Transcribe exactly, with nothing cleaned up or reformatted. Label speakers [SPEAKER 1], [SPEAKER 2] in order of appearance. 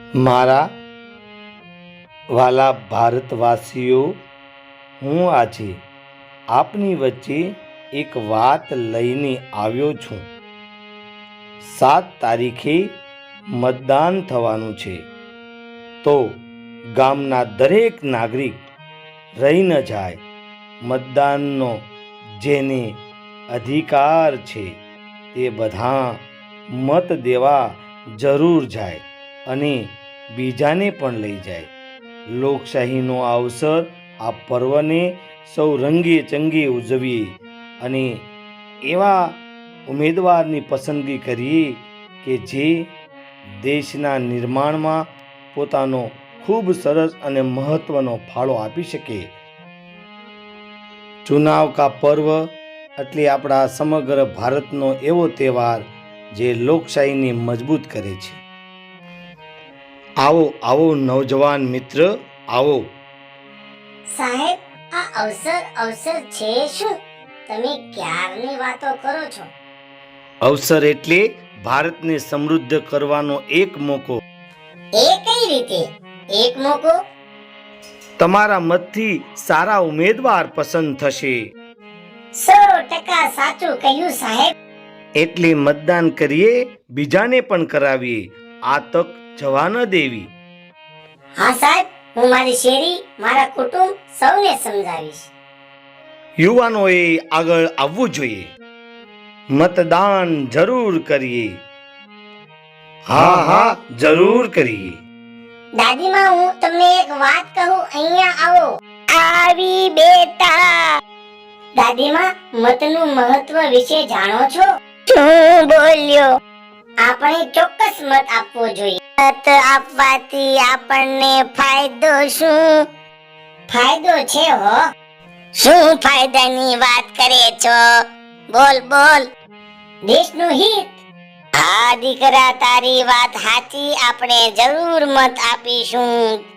[SPEAKER 1] મારા વાલા ભારતવાસીઓ, હું આજે આપની વચ્ચે એક વાત લઈને આવ્યો છું. સાત તારીખે મતદાન થવાનું છે, તો ગામના દરેક નાગરિક રહી ન જાય. મતદાનનો જેને અધિકાર છે તે બધા મત દેવા જરૂર જાય અને બીજાને પણ લઈ જાય. લોકશાહીનો અવસર આ પર્વને સૌ રંગે ચંગે ઉજવીએ અને એવા ઉમેદવારની પસંદગી કરીએ કે જે દેશના નિર્માણમાં પોતાનો ખૂબ સરસ અને મહત્વનો ફાળો આપી શકે. ચુનાવ કા પર્વ એટલે આપણા સમગ્ર ભારતનો એવો તહેવાર જે લોકશાહીને મજબૂત કરે છે. આવો આવો નવજવાન મિત્ર, આવો.
[SPEAKER 2] સાહેબ, આ અવસર અવસર છે શું? તમે ક્યારની વાતો કરો છો?
[SPEAKER 1] અવસર એટલે ભારતને સમૃદ્ધ કરવાનો એક મોકો.
[SPEAKER 2] એ કઈ રીતે એક મોકો?
[SPEAKER 1] તમારા મતથી સારા ઉમેદવાર પસંદ થશે.
[SPEAKER 2] સો ટકા સાચું કહ્યું સાહેબ.
[SPEAKER 1] એટલે મતદાન કરીએ, બીજાને પણ કરાવીએ. આ તક જવા ન દેવી.
[SPEAKER 2] હા સાહેબ, હું મારી શેરી, મારા કુટુંબ સૌને સમજાવીશ.
[SPEAKER 1] યુવાનોએ આગળ આવવું જોઈએ. મતદાન જરૂર કરીએ. હા હા, જરૂર કરીએ.
[SPEAKER 2] દાદીમાં, હું તમને એક વાત કહું, અહીંયા આવો. આવી બેટા. દાદીમાં, મતનું મહત્વ વિશે જાણો છો? શું બોલ્યો? આપણે ચોક્કસ મત આપવો જોઈએ. મત આપવાથી આપણને ફાયદો શું? ફાયદો છે હો. શું ફાયદાની વાત કરે છો? બોલ બોલ. દેશનું હિત. હા દીકરા, તારી વાત સાચી. આપણે જરૂર મત આપીશું.